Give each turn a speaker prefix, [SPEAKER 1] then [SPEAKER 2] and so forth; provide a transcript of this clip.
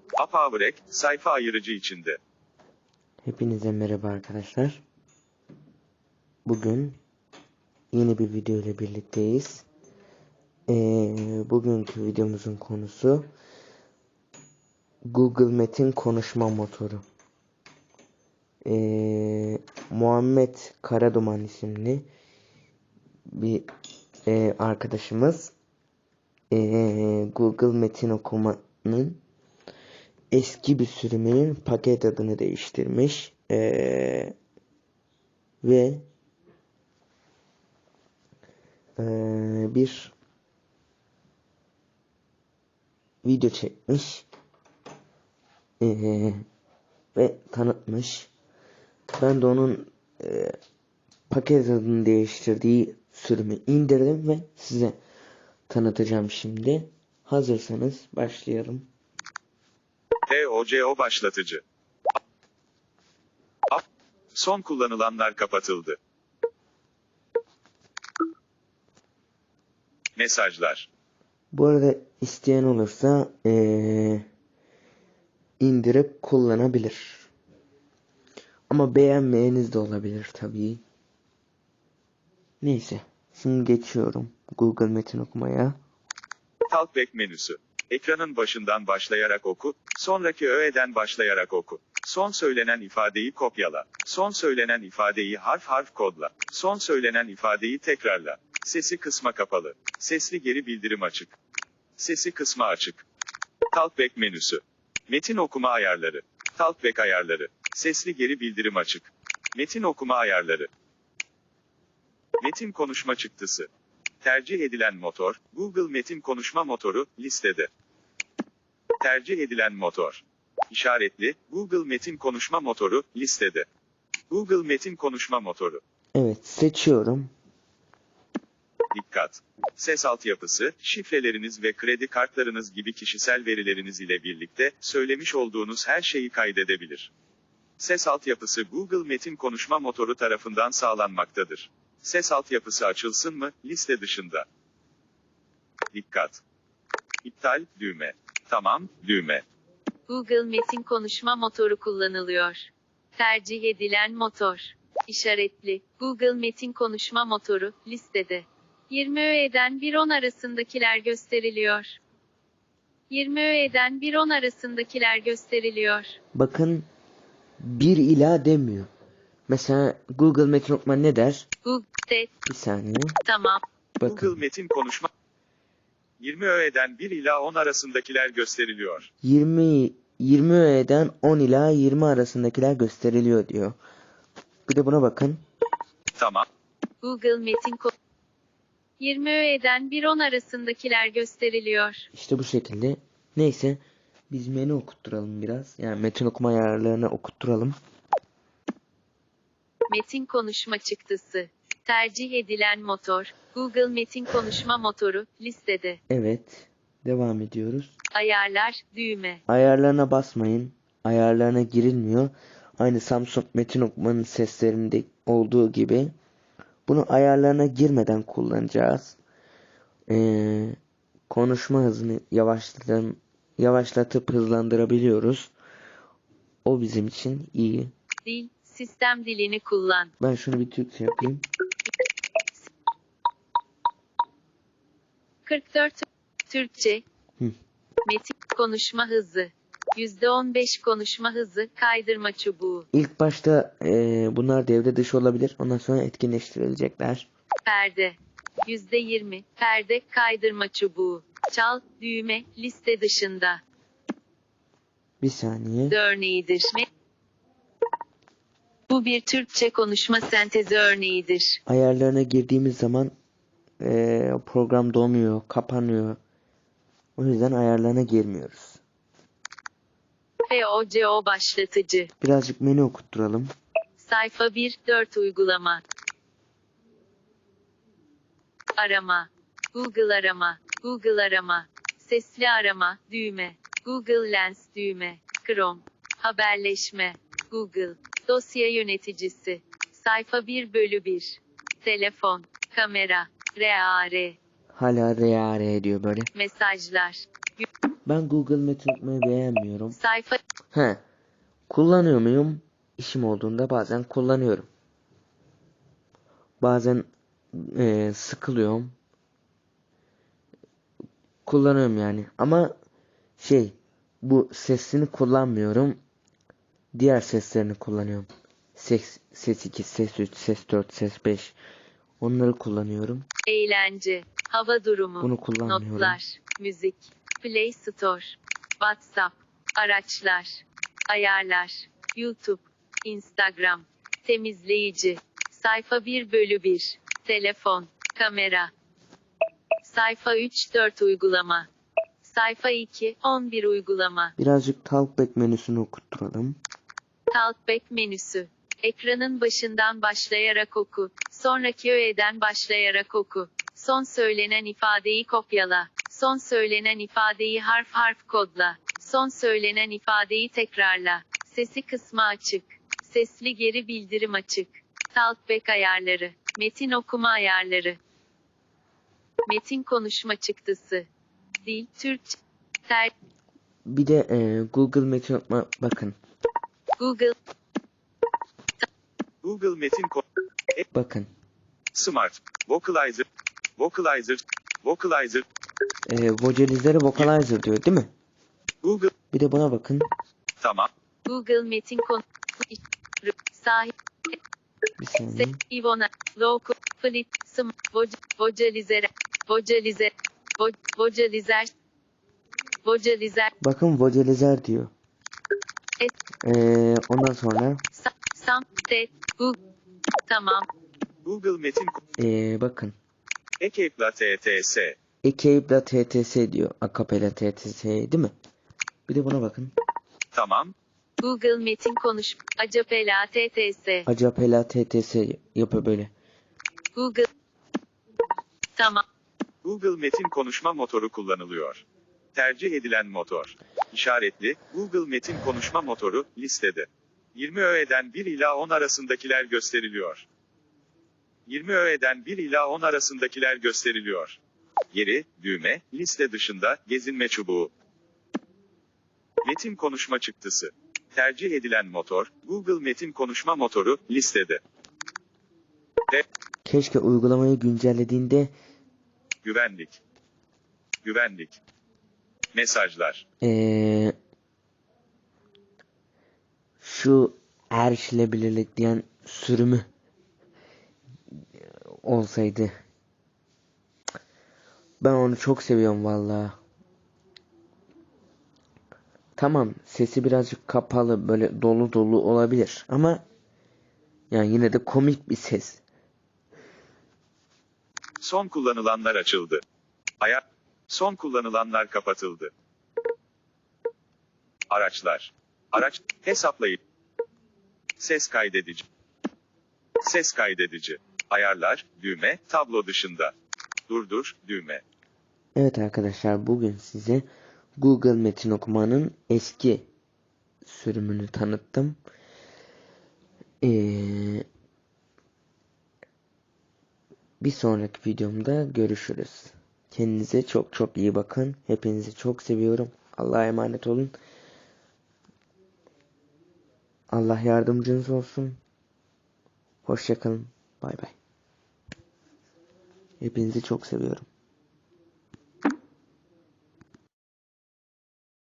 [SPEAKER 1] Apavrek, sayfa ayırıcı içinde.
[SPEAKER 2] Hepinize merhaba arkadaşlar. Bugün yeni bir video ile birlikteyiz. Bugünkü videomuzun konusu Google Metin konuşma motoru. Muhammed Karaduman isimli bir arkadaşımız Google Metin okumanın eski bir sürümünün paket adını değiştirmiş ve bir video çekmiş ve tanıtmış. Ben de onun paket adını değiştirdiği sürümü indirdim ve size tanıtacağım şimdi. Hazırsanız başlayalım.
[SPEAKER 1] TOCO başlatıcı. Son kullanılanlar kapatıldı. Mesajlar.
[SPEAKER 2] Bu arada isteyen olursa indirip kullanabilir. Ama beğenmeyeniz de olabilir tabii. Neyse. Şimdi geçiyorum Google Metin okumaya.
[SPEAKER 1] Talkback menüsü. Ekranın başından başlayarak oku, sonraki öğeden başlayarak oku. Son söylenen ifadeyi kopyala. Son söylenen ifadeyi harf harf kodla. Son söylenen ifadeyi tekrarla. Sesi kısma kapalı. Sesli geri bildirim açık. Sesi kısma açık. Talkback menüsü. Metin okuma ayarları. Talkback ayarları. Sesli geri bildirim açık. Metin okuma ayarları. Metin konuşma çıktısı. Tercih edilen motor, Google Metin konuşma motoru, listede. Tercih edilen motor. İşaretli, Google Metin konuşma motoru, listede. Google Metin konuşma motoru.
[SPEAKER 2] Evet, seçiyorum.
[SPEAKER 1] Dikkat! Ses altyapısı, şifreleriniz ve kredi kartlarınız gibi kişisel verileriniz ile birlikte, söylemiş olduğunuz her şeyi kaydedebilir. Ses altyapısı Google Metin konuşma motoru tarafından sağlanmaktadır. Ses altyapısı açılsın mı, liste dışında. Dikkat! İptal, düğme. Tamam, düğme.
[SPEAKER 3] Google Metin konuşma motoru kullanılıyor. Tercih edilen motor. İşaretli, Google Metin konuşma motoru, listede. 20 öğeden 1-10 arasındakiler gösteriliyor. 20 öğeden 1-10 arasındakiler gösteriliyor.
[SPEAKER 2] Bakın 1 ila demiyor. Mesela Google Metin okuma ne der?
[SPEAKER 3] Google,
[SPEAKER 2] Bir saniye.
[SPEAKER 3] tamam.
[SPEAKER 2] Bakın.
[SPEAKER 1] Google Metin konuşma 20 öğeden 1 ila 10 arasındakiler gösteriliyor.
[SPEAKER 2] 20 öğeden 10 ila 20 arasındakiler gösteriliyor diyor. Bir de buna bakın.
[SPEAKER 1] Tamam.
[SPEAKER 3] Google Metin 20 öğeden 1-10 arasındakiler gösteriliyor.
[SPEAKER 2] İşte bu şekilde. Neyse. Biz menü okutturalım biraz. Yani metin okuma ayarlarını okutturalım.
[SPEAKER 3] Metin konuşma çıktısı. Tercih edilen motor. Google Metin konuşma motoru, listede.
[SPEAKER 2] Evet. Devam ediyoruz.
[SPEAKER 3] Ayarlar, düğme.
[SPEAKER 2] Ayarlarına basmayın. Ayarlarına girilmiyor. Aynı Samsung metin okumanın seslerinde olduğu gibi. Bunu ayarlarına girmeden kullanacağız. Konuşma hızını yavaşlatıp hızlandırabiliyoruz. O bizim için iyi.
[SPEAKER 3] Dil, sistem dilini kullan.
[SPEAKER 2] Ben şunu bir Türkçe yapayım.
[SPEAKER 3] 44 Türkçe.
[SPEAKER 2] Hı.
[SPEAKER 3] Metin konuşma hızı. %15 konuşma hızı, kaydırma çubuğu.
[SPEAKER 2] İlk başta bunlar devre dışı olabilir. Ondan sonra etkinleştirilecekler.
[SPEAKER 3] Perde. %20 perde, kaydırma çubuğu. Çal, düğme, liste dışında.
[SPEAKER 2] Bir saniye.
[SPEAKER 3] Örneğidir. Bu bir Türkçe konuşma sentezi örneğidir.
[SPEAKER 2] Ayarlarına girdiğimiz zaman program donuyor, kapanıyor. O yüzden ayarlarına girmiyoruz.
[SPEAKER 3] TOCO başlatıcı.
[SPEAKER 2] Birazcık menü okutturalım.
[SPEAKER 3] Sayfa 1-4 uygulama. Arama. Google arama. Google arama. Sesli arama, düğme. Google Lens düğme. Chrome. Haberleşme. Google. Dosya yöneticisi. Sayfa 1/1. Telefon. Kamera. RAR.
[SPEAKER 2] Hala RAR diyor böyle.
[SPEAKER 3] Mesajlar.
[SPEAKER 2] Ben Google Metin okumayı beğenmiyorum.
[SPEAKER 3] Sayfa
[SPEAKER 2] Kullanıyor muyum? İşim olduğunda bazen kullanıyorum. Bazen sıkılıyorum. Kullanıyorum yani. Ama bu sesini kullanmıyorum. Diğer seslerini kullanıyorum. Ses 2, ses 3, ses 4, ses 5. Onları kullanıyorum.
[SPEAKER 3] eğlence, hava durumu,
[SPEAKER 2] Bunu kullanmıyorum.
[SPEAKER 3] notlar, müzik, Play Store, WhatsApp, araçlar, ayarlar, YouTube, Instagram, temizleyici, sayfa 1/1, telefon, kamera, sayfa 3-4 uygulama, sayfa 2-11 uygulama,
[SPEAKER 2] Birazcık Talkback menüsünü okutturalım.
[SPEAKER 3] Talkback menüsü. Ekranın başından başlayarak oku. Sonraki öğeden başlayarak oku. Son söylenen ifadeyi kopyala. Son söylenen ifadeyi harf harf kodla. Son söylenen ifadeyi tekrarla. Sesi kısmı açık. Sesli geri bildirim açık. Talkback ayarları. Metin okuma ayarları. Metin konuşma çıktısı. Dil, Türkçe.
[SPEAKER 2] Bir de Google Metin okuma bakın.
[SPEAKER 3] Google.
[SPEAKER 1] Google Metin
[SPEAKER 2] Bakın.
[SPEAKER 1] Smart. Vocalizer. Vocalizer. Vocalizer.
[SPEAKER 2] Vocalizer Vocalizer diyor değil mi?
[SPEAKER 1] Google.
[SPEAKER 2] Bir de buna bakın.
[SPEAKER 1] Tamam.
[SPEAKER 3] Google Metin sahip.
[SPEAKER 2] Bir saniye.
[SPEAKER 3] Ivona. Loco. Flit. Vocalizer. Vocalizer. Vocalizer. Vocalizer.
[SPEAKER 2] Bakın Vocalizer diyor. Ondan sonra
[SPEAKER 3] Sam. Google. Tamam.
[SPEAKER 1] Google Metin
[SPEAKER 2] bakın.
[SPEAKER 1] Ekapla TTS.
[SPEAKER 2] Ekapla.tts diyor. Akapela TTS değil mi? Bir de buna bakın.
[SPEAKER 1] Tamam.
[SPEAKER 3] Google Metin konuş. Acapela TTS.
[SPEAKER 2] Acapela TTS yapıyor böyle.
[SPEAKER 3] Google. Tamam.
[SPEAKER 1] Google Metin konuşma motoru kullanılıyor. Tercih edilen motor. İşaretli, Google Metin konuşma motoru, listede. 20 öğeden 1 ila 10 arasındakiler gösteriliyor. 20 öğeden 1 ila 10 arasındakiler gösteriliyor. Yeri, düğme, liste dışında, gezinme çubuğu. Metin konuşma çıktısı. Tercih edilen motor, Google Metin konuşma motoru, listede.
[SPEAKER 2] Keşke uygulamayı güncellediğinde
[SPEAKER 1] Güvenlik. Güvenlik. Mesajlar.
[SPEAKER 2] Şu erişilebilirlik diyen sürümü olsaydı. Ben onu çok seviyorum vallahi. Tamam, sesi birazcık kapalı, böyle dolu dolu olabilir ama yani yine de komik bir ses.
[SPEAKER 1] Son kullanılanlar açıldı. Son kullanılanlar kapatıldı. Araçlar. Araç, hesaplayıp. Ses kaydedici. Ses kaydedici. Ayarlar, düğme, tablo dışında. Durdur, düğme.
[SPEAKER 2] Evet arkadaşlar, bugün size Google Metin okumanın eski sürümünü tanıttım. Bir sonraki videomda görüşürüz. Kendinize çok çok iyi bakın. Hepinizi çok seviyorum. Allah'a emanet olun. Allah yardımcınız olsun. Hoşça kalın. Bay bay. Hepinizi çok seviyorum.